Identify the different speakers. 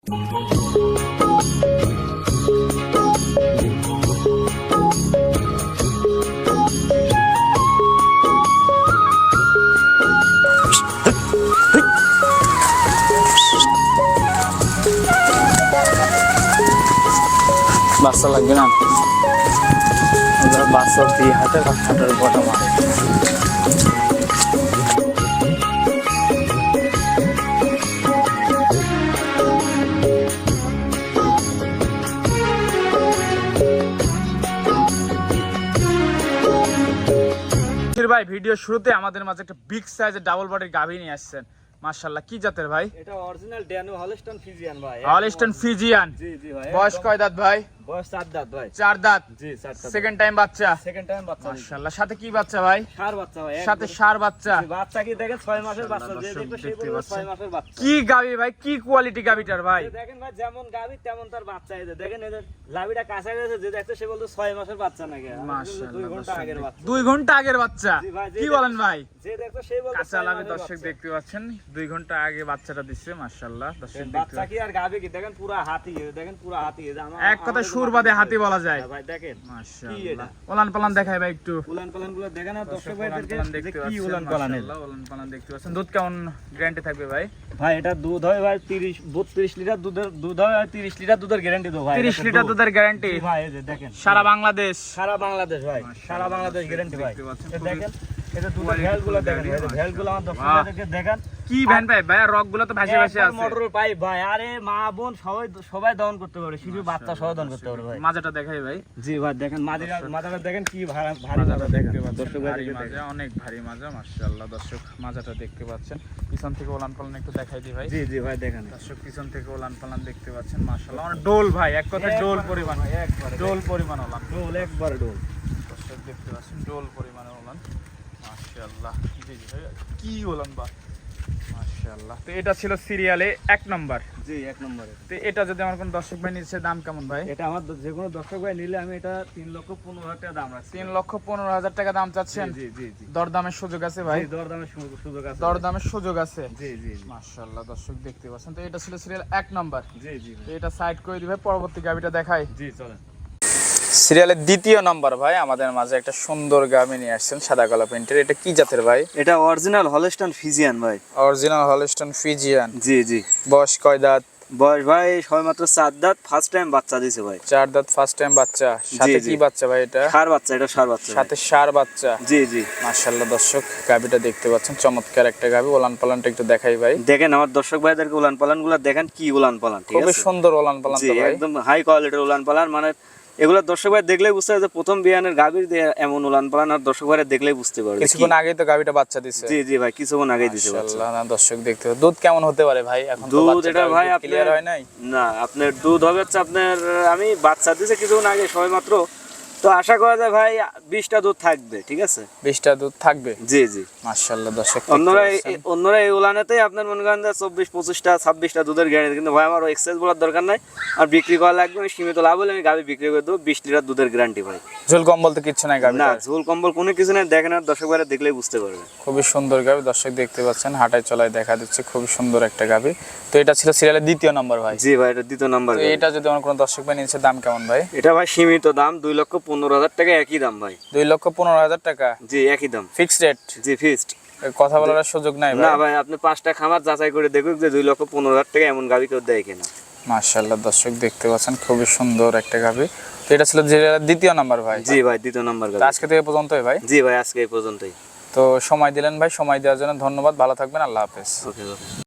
Speaker 1: বাচ্চা লাগবে না, বাচ্চা দিয়ে হাতে হাতের বটা মারে। ভাই ভিডিও শুরুতে আমাদের মাঝে একটা বিগ সাইজের ডাবল বডির গাভী নিয়ে আসছেন। মাশাআল্লাহ, কি জাতের ভাই?
Speaker 2: এটা অরিজিনাল ড্যানো হলস্টাইন ফ্রিজিয়ান ভাই।
Speaker 1: Holstein Friesian.
Speaker 2: জি জি ভাই।
Speaker 1: বয়স কয় দাঁত ভাই?
Speaker 2: বয়স 4 দাঁত ভাই।
Speaker 1: 4 দাঁত।
Speaker 2: জি 4 দাঁত।
Speaker 1: সেকেন্ড টাইম বাচ্চা।
Speaker 2: সেকেন্ড টাইম বাচ্চা।
Speaker 1: মাশাআল্লাহ, সাথে কি বাচ্চা ভাই?
Speaker 2: ষাঁড় বাচ্চা ভাই।
Speaker 1: সাথে ষাঁড় বাচ্চা।
Speaker 2: জি, বাচ্চা কি দেখেন 6 মাসের বাচ্চা, যে দেখতে সেই বলবে 6 মাসের বাচ্চা।
Speaker 1: কি গাভী ভাই, কি কোয়ালিটি গাভীটার ভাই?
Speaker 2: দেখেন ভাই, যেমন গাভী তেমন তার বাচ্চা। এই যে দেখেন, এদের লাভিটা কাঁচা গেছে, যে দেখতে সে বলতো 6 মাসের বাচ্চা নাকি।
Speaker 1: মাশাআল্লাহ,
Speaker 2: 2 ঘন্টা আগের বাচ্চা।
Speaker 1: 2 ঘন্টা আগের বাচ্চা। কি বলেন ভাই?
Speaker 2: যে দেখতো সেই বলতো
Speaker 1: কাঁচা লাভে দর্শক দেখতে পাচ্ছেন, 2 ঘন্টা আগে বাচ্চাটা দিচ্ছে। মাশাআল্লাহ, দর্শক দেখতে
Speaker 2: বাচ্চা কি আর গাভী কি দেখেন, পুরো হাতি। দেখেন পুরো হাতি।
Speaker 1: এক কথা সুর বাদে হাতি বলা যায়
Speaker 2: ভাই। দেখেন
Speaker 1: মাশাআল্লাহ, ওলান পালান দেখাই ভাই একটু।
Speaker 2: উলান পালান গুলো দেখেন না দর্শক ভাইদেরকে,
Speaker 1: দেখতে
Speaker 2: কি
Speaker 1: পাচ্ছেন।
Speaker 2: উলান পালান।
Speaker 1: মাশাআল্লাহ, ওলান পালান দেখতে পাচ্ছেন। দুধ কেমন গ্যারান্টি থাকবে ভাই?
Speaker 2: ভাই এটা দুধ হয় ভাই 32 লিটার দুধ হয়। 30 লিটার দুধের গ্যারান্টি দেবো ভাই।
Speaker 1: 30 লিটার দুধের গ্যারান্টি
Speaker 2: ভাই। এই যে দেখেন,
Speaker 1: সারা বাংলাদেশ।
Speaker 2: সারা বাংলাদেশ ভাই, সারা বাংলাদেশ গ্যারান্টি ভাই।
Speaker 1: দেখতে পাচ্ছেন,
Speaker 2: দেখেন এটা দুধের ভ্যালগুলো দেখেন, এই যে ভ্যালগুলো আমার দর্শক ভাইদেরকে দেখেন।
Speaker 1: কি ভ্যান ভাই? ভাই রকগুলো তো ভাসে ভাসে আছে।
Speaker 2: মোটর পাইপ ভাই। আরে মা বোন সবাই দহন করতে পারে, শুধু বাচ্চা সহ দহন করতে পারে ভাই।
Speaker 1: মাজাটা দেখাই ভাই।
Speaker 2: জি ভাই দেখেন, মাজাটা দেখেন কি ভারী মাজা দেখতে পাচ্ছেন দর্শক
Speaker 1: ভারী
Speaker 2: ভাইদেরকে
Speaker 1: মাজা,
Speaker 2: দেখেন।
Speaker 1: অনেক ভারী মাজা। মাশাআল্লাহ, দর্শক মাজাটা দেখতে পাচ্ছেন। পিছন থেকে ওলান পালান একটু দেখাই দিই ভাই।
Speaker 2: জি জি ভাই দেখেন,
Speaker 1: দর্শক পিছন থেকে ওলান পালান দেখতে পাচ্ছেন। মাশাআল্লাহ, অনেক ডোল ভাই, এক কথায় ডোল পরিমাণ।
Speaker 2: একবারে
Speaker 1: ডোল পরিমাণ ওলান।
Speaker 2: ডোল, একবারে ডোল।
Speaker 1: দর্শক দেখতে পাচ্ছেন ডোল পরিমাণে ওলান। মাশাআল্লাহ, জি জি ভাই, কি ওলান বা। মাশাআল্লাহ, তো এটা ছিল সিরিয়ালে 1 নাম্বার।
Speaker 2: জি 1 নম্বরে।
Speaker 1: তো এটা যদি আমার কোন দর্শক ভাই নিচ্ছে, দাম কেমন ভাই?
Speaker 2: এটা আমার যে কোনো দর্শক ভাই নিলে আমি এটা 3,15,000 টাকা দাম রাখছি।
Speaker 1: 3,15,000 টাকা দাম চাচ্ছেন?
Speaker 2: জি জি জি।
Speaker 1: দরদামের সুযোগ আছে ভাই?
Speaker 2: দরদামের সুযোগ আছে।
Speaker 1: দরদামের সুযোগ আছে।
Speaker 2: জি জি।
Speaker 1: মাশাআল্লাহ, দর্শক দেখতে পাচ্ছেন। তো এটা ছিল সিরিয়াল 1 নাম্বার।
Speaker 2: জি জি।
Speaker 1: তো এটা সাইড করে দিবে, পরবর্তী গাবিটা দেখাই।
Speaker 2: জি চলেন।
Speaker 1: সিরিয়ালের 2য় নাম্বার ভাই, আমাদের মাঝে একটা সুন্দর গাবি নিয়ে আসছেন, সাদা কালো প্রিন্টের। এটা কি জাতের ভাই?
Speaker 2: এটা অরিজিনাল হলস্টাইন ফ্রিজিয়ান ভাই।
Speaker 1: Original Holstein Friesian.
Speaker 2: জি জি।
Speaker 1: বয়স কয় দাঁত?
Speaker 2: বয়স ভাই সবেমাত্র 4 দাঁত, ফার্স্ট টাইম বাচ্চা দিয়েছে ভাই।
Speaker 1: 4 দাঁত, ফার্স্ট টাইম বাচ্চা। সাথে কি বাচ্চা ভাই? এটা
Speaker 2: ষাঁড় বাচ্চা। এটা ষাঁড় বাচ্চা।
Speaker 1: সাথে ষাঁড় বাচ্চা।
Speaker 2: জি জি।
Speaker 1: মাশাআল্লাহ, দর্শক গাবিটা দেখতে পাচ্ছেন, চমৎকার একটা গাবি। ওলান পালানটা একটু দেখাই ভাই।
Speaker 2: দেখেন আমার দর্শক ভাইদেরকে উলান পালানগুলো দেখেন, কি উলান পালান। ঠিক আছে,
Speaker 1: খুবই সুন্দর ওলান পালান তো ভাই।
Speaker 2: একদম হাই কোয়ালিটির উলান পালান। মানে এগুলো দর্শক ভাই দেখলেই বুঝতে পারবে যে প্রথম বিয়ানের গাভীর এমন উলান পালান, আর দর্শক ভাইরা দেখলেই বুঝতে পারবে।
Speaker 1: কিছুক্ষণ আগেই তো গাবিটা বাচ্চা দিছে।
Speaker 2: জি জি ভাই, কিছুক্ষণ আগেই দিছে বাচ্চা।
Speaker 1: মাশাআল্লাহ, দর্শক দেখতে পাচ্ছেন। দুধ কেমন হতে পারে ভাই? এখন তো
Speaker 2: দুধ এটা ভাই
Speaker 1: ক্লিয়ার হয় নাই
Speaker 2: না। আপনার দুধ হবে হচ্ছে আপনার, আমি বাচ্চা দিছে কিছুক্ষণ আগে সবেমাত্র, তো আশা করা যায় ভাই 20টা দুধ থাকবে। ঠিক আছে,
Speaker 1: 20টা দুধ থাকবে।
Speaker 2: জি জি।
Speaker 1: মাশাআল্লাহ, দর্শক
Speaker 2: অন্যরা এই উলানেতেই আপনার মনে করেন 24-25টা 26টা দুধের গ্যারান্টি। কিন্তু ভাই আমার এক্সেস বলার দরকার নাই, আর বিক্রি করা লাগবে। আমি সীমিত লাভ হলে আমি গাভী বিক্রি করে দেবো। 20 লিটার দুধের গ্যারান্টি ভাই।
Speaker 1: ঝোল কম্বল তো কিছু নাই গাভী?
Speaker 2: না, ঝোল কম্বল কোনো কিছু নাই। দেখেন আর দর্শক ভাইরা দেখলেই বুঝতে পারবে।
Speaker 1: খুবই সুন্দর গাভী, দর্শক দেখতে পাচ্ছেন, হাঁটায় চলায় দেখা দিচ্ছে, খুবই সুন্দর একটা গাভী। তো এটা ছিল সিরিয়ালের 2য় নাম্বার ভাই।
Speaker 2: জি ভাই, এটা 2য় নাম্বার।
Speaker 1: তো এটা যদি আমার কোনো দর্শক ভাই নিচ্ছে, দাম কেমন ভাই?
Speaker 2: এটা ভাই সীমিত দাম, 2,15,000 টাকা। একই দাম ভাই।
Speaker 1: 2,15,000 টাকা?
Speaker 2: জি একই দাম।
Speaker 1: Fixed rate?
Speaker 2: জি ফিক্সড।
Speaker 1: কথা বলার সুযোগ নাই ভাই?
Speaker 2: না ভাই, আপনি 5টা খামার যাচাই করে দেখুন যে 2,15,000 টাকা এমন গাভী কেউ দেয় কিনা।
Speaker 1: মাশাআল্লাহ, দর্শক দেখতে পাচ্ছেন, খুবই সুন্দর একটা গাভী। তো এটা ছিল সিরিয়ালের 2য় নাম্বার ভাই।
Speaker 2: জি ভাই, 2য় নাম্বার গাভী।
Speaker 1: আজকে থেকে পর্যন্তই ভাই?
Speaker 2: জি ভাই, আজকে এই পর্যন্তই।
Speaker 1: তো সময় দিলেন ভাই, সময় দেওয়ার জন্য ধন্যবাদ। ভালো থাকবেন, আল্লাহ হাফেজ।
Speaker 2: ওকে ওকে।